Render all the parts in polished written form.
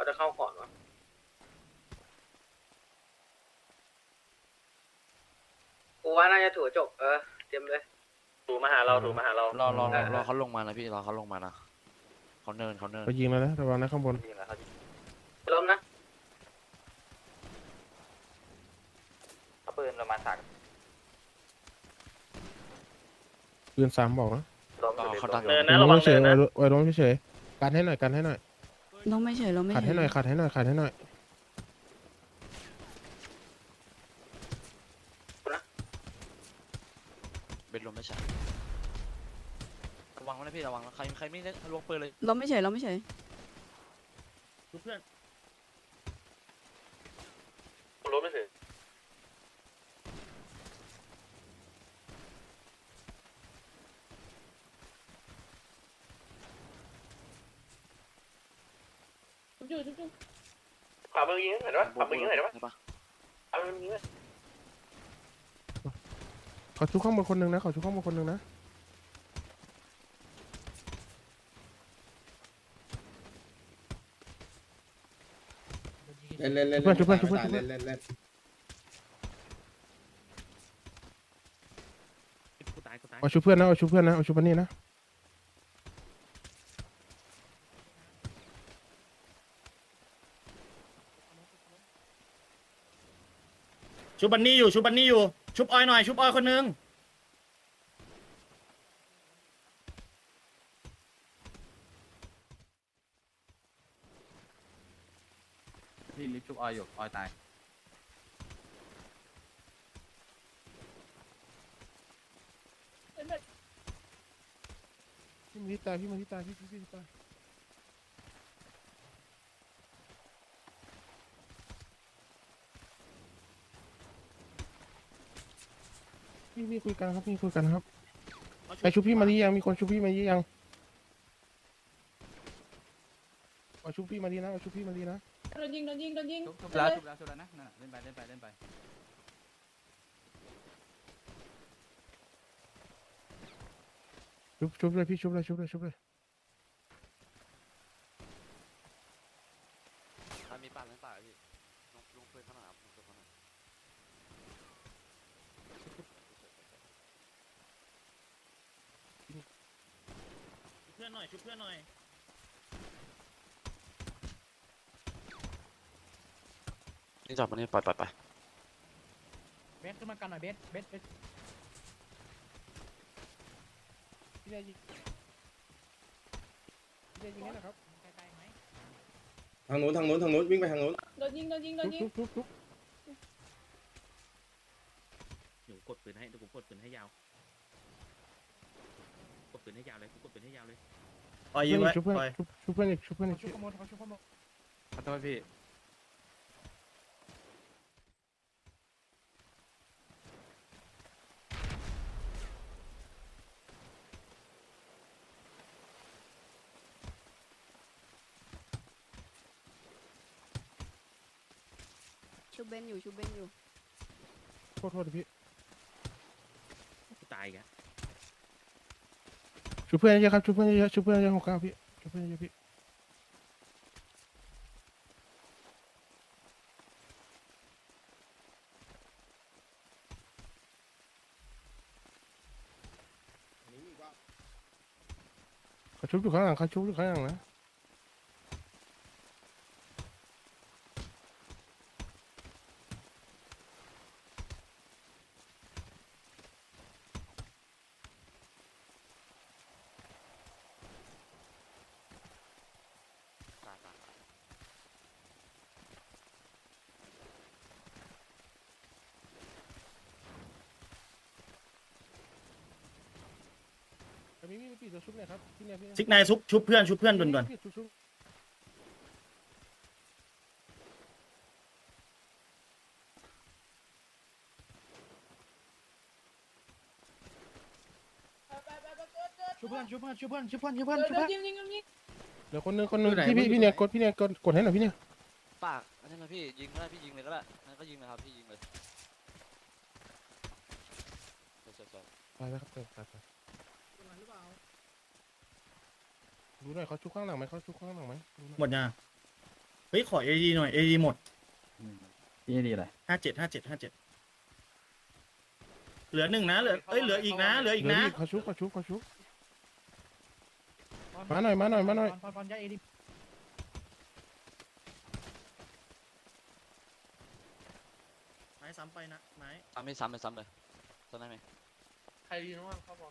จะเข้าก่อนวะกูว่าน่าจะถูจบเตรียมเลยถูมาหาเราถูมาหาเรารอเขาลงมานะพี่รอเขาลงมานะเขาเนินเขายิงแล้วนะระวังนะข้างบนล้มนะเอาปืนประมาณ3 ปืน3บอกนะรอเขาดักเนินนะระวังเฉเนิยนนะไว้ล้มเฉยกันให้หน่อยกันให้หน่อยเราไม่เฉยเราไม่ขัดเฉให้ยหน่อยขัดให้หน่อยขัดให้หน่อยเบ็ดลมไม่ใช่ระวังนะพี่ระวังนะใครไม่ได้ลวงปืนเลยเราไม่เฉยเราไม่เฉยเพื่อนล้มไม่ถึง ขวามือยิงเห็นปะขวามือยิงเห็นปะใช่ปะขวามือยิงเลยเขาชุบข้างบนคนหนึ่งนะเขาชุบข้างบนคนหนึ่งนะเล่นเล่นเล่นเพื่อนชุบเพื่อนชุบเพื่อนเล่นเล่นเล่นเอาชุบเพื่อนนะเอาชุบเพื่อนนะเอาชุบอันนี้นะชุบบันนี่อยู่ชุบบันนี่อยู่ชุบออยหน่อยชุบออยคนนึงพี่ลิฟชุบออยอยู่ออยตายพี่มาที่ตายพี่มาที่ตายพี่ที่ตายพี่คุยกันครับพี่คุยกันครับไปชุบพี่มาดียังมีคนชุบพี่มาดียังเอาชุบพี่มาดีนะเอาชุบพี่มาดีนะโดนยิงชุบแล้วนะนั่นน่ะเล่นไปชุบเลยพี่ชุบเลยใครมีป่าเล่นป่าพี่ลงปืนข้างหน้าลงปืนข้างหน้าเพื่อนหน่อยชุบเพื่อนหน่อยนี่จับมันนี่ปล่อยไปเบสขึ้นมากันหน่อยเบสพี่ได้ยิงนี่นะครับทางนู้นวิ่งไปทางนู้นโดนยิงชุบเดี๋ยวกดปืนให้เดี๋ยวผมกดปืนให้ยาวกดปืนให้ยาวเลยกดปืนให้ยาวเลยออยยิงไว้ชุบเพื่อนออยชุบเพื่อนอีกชุบเพื่อนอีกขอโทษพี่ชูเบนอยู่โทษพี่ตายแกชุบเพื่อนเยอะครับชุบเพื่อนเยอะของก้าวพี่ชุบเพื่อนเยอะพี่เขาชุบอยู่ข้างหลังนะ มีปีตัวชุบเนี่ยครับพี่เนี่ยซิกนายชุบเพื่อนด่วนชุบเดี๋ยวคนนึงพี่เนี่ยกดให้หน่อยพี่เนี่ยปากอันนี้นะพี่ยิงก็ได้พี่ยิงเลยก็ได้นั่นก็ยิงนะครับพี่ยิงเลยใช่ไปแล้วครับไปดูหน่อยเขาชุบข้างหลังไหมๆหมดยังไปฮ้ยขอเอดีหน่อยเอดีหมดนี่ดีเลย 57เหลือหนึ่งนะเหลือเหลืออีกนะเหลืออีกนะเขาชุบมาหน่อยมาหน่อยมาหน่อยไม้ซ้ำไปนะไม้ซ้ำไม่ซ้ำเลยซ้ำเลยซ้ำได้ไหมใครดีน้องครับบอล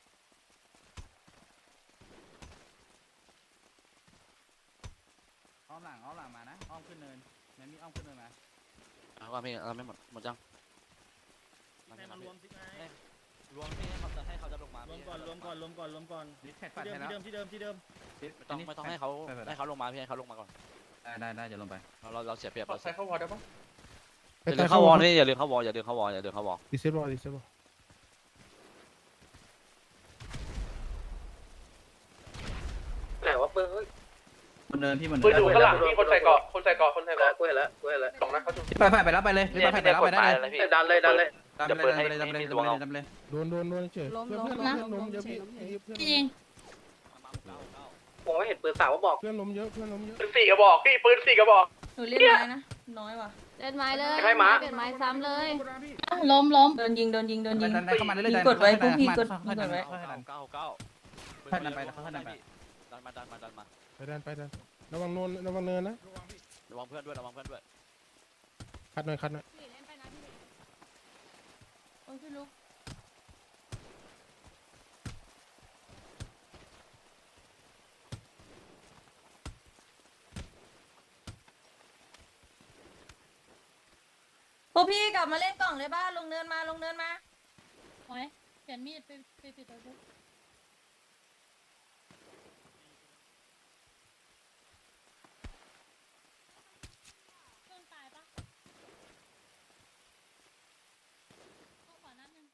อ้อมหลังมานะอ้อมขึ้นเนินแมนมีอ้อมขึ้นเนินมาเอาว่าพี่เราไม่หมดจังให้มารวมสิไม้รวมพี่ให้เขาจะลงมารวมก่อนลิแท็กปัดที่ให้แล้วเดิมที่เดิมไม่ต้องให้เขาลงมาพี่ให้เขาลงมาก่อนได้จะลงไปเราเสียเปรียบเราใครเข้าวอลได้ปะอย่าลืมเข้าวอลนี่อย่าลืมเข้าวอลดิเซลบอลไหนวะปืนเฮ้ยบนเนินพี่บนเนิปืนนอยู่ข้างหลังพี่คนใส่เกาะกูเห็นแล้วสองนัดเขาจุดพี่ไปแล้วไปเลยพี่ไปแล้วไปได้เลยดันเลยดำเลยโดนเฉยล้มเพื่อนล้มเพื่อนล้มล้มเยอะเฉพี่ยล้มเฉยเพื่อนจริงผมไม่เห็นปืนสาวว่าบอกเพื่อนล้มเยอะปืน4 กระบอกพี่ปืน4 กระบอกหนูเล่นไม้นะ น้อยว่ะเล่นไม้เลยให้ม้าเปลี่ยนไม้ซ้ำเลยล้มโดนยิงเข้ามาเรื่อยกดไว้พวกพี่กดไว้เก้าดันไปดันไปไปดันระวังเนินนะระวังเพื่อนด้วยคัดหน่อยโอ้ยพี่ลูกพวกพี่กลับมาเล่นกล่องเลยบ้าลงเนินมาโอ้ยเปลี่ยนมีดไปปิดตัวดูเครื่องตายปะเข้าขวานัดนึง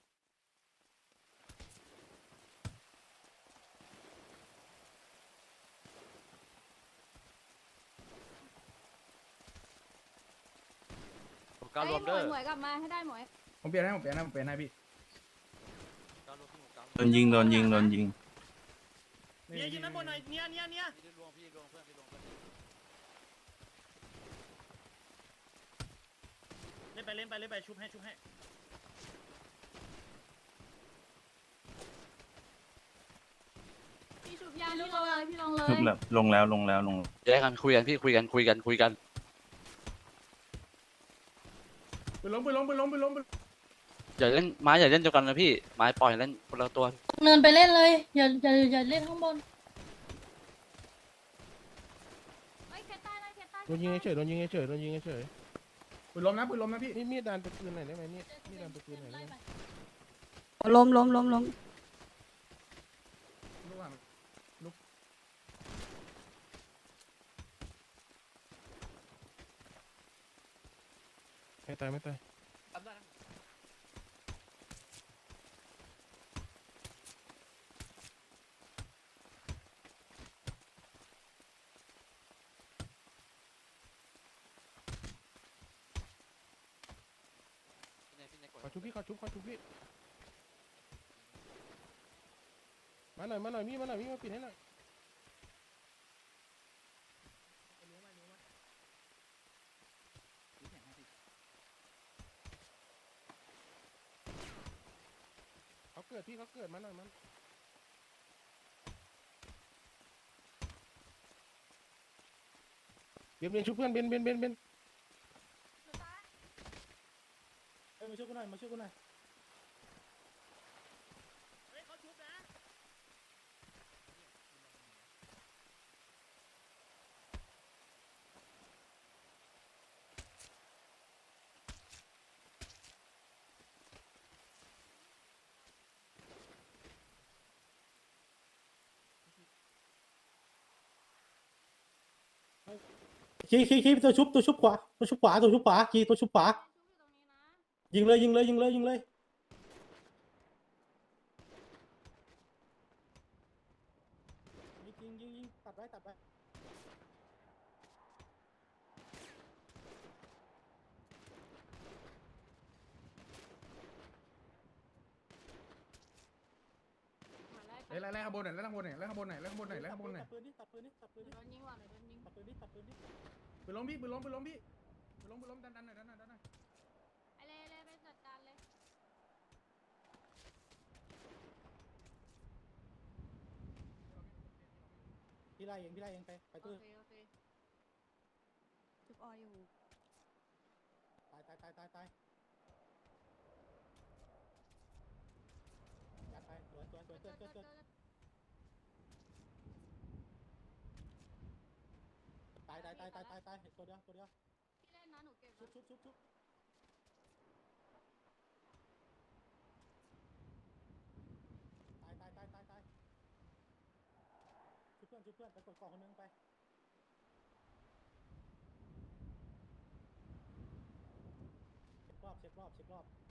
การรวมเด้อหมวยกลับมาให้ได้หมวยผมเปลี่ยนให้พี่โดนยิงเนี่ยยิงด้านบนหน่อยเนี่ยเล่นไปชุบให้พี่ชุบยางพี่ลงเลยพี่ลงเลยลงแล้วแยกกันคุยกันพี่คุยกันไปล้มอย่าเล่นไม้อย่าเล่นเดียวกันนะพี่ไม้ปล่อยเล่นคนละตัวเนินไปเล่นเลย อย่าเล่นข้างบนเฮ้ยเคต้าเลยเคต้าโดนยิงเฉยปืนล้มนะพี่นี่มีดดันไปปืนไหนได้ไหมมีดดันไปปืนไหนได้ไหมล้มไม่ตาย ขอชุบพี่มาหน่อยมีมาปิดให้หน่อยเขาเกิดมาหน่อยเบียนชุบเพื่อนเบนมาช่วยกูหน่อยเฮ้ยเขาชุบนะขี้ตัวชุบขวาตัวชุบขวาขี้ตัวชุบขวายิงเลยยิงตัดไว้ไล่ข้างบนหน่อยตัดปืนดิโดนยิงว่ะโดนยิงตัดปืนดิปืนล้มพี่ปืนล้มปืนล้มพี่ปืนล้มปืนล้มดันหน่อยดันหน่อยดันหน่อยไอเลยไปจัดการเลยพี่ไล่เองพี่ไล่เองไปโอตื้อเคโอเคจุบออยู่ตายยัดไปสวยเกิดตายตัวเดียวพี่เล่นนะหนูเก็บชุบตายชุบเพื่อนไปกดกล่องคนนึงไปเช็ครอบ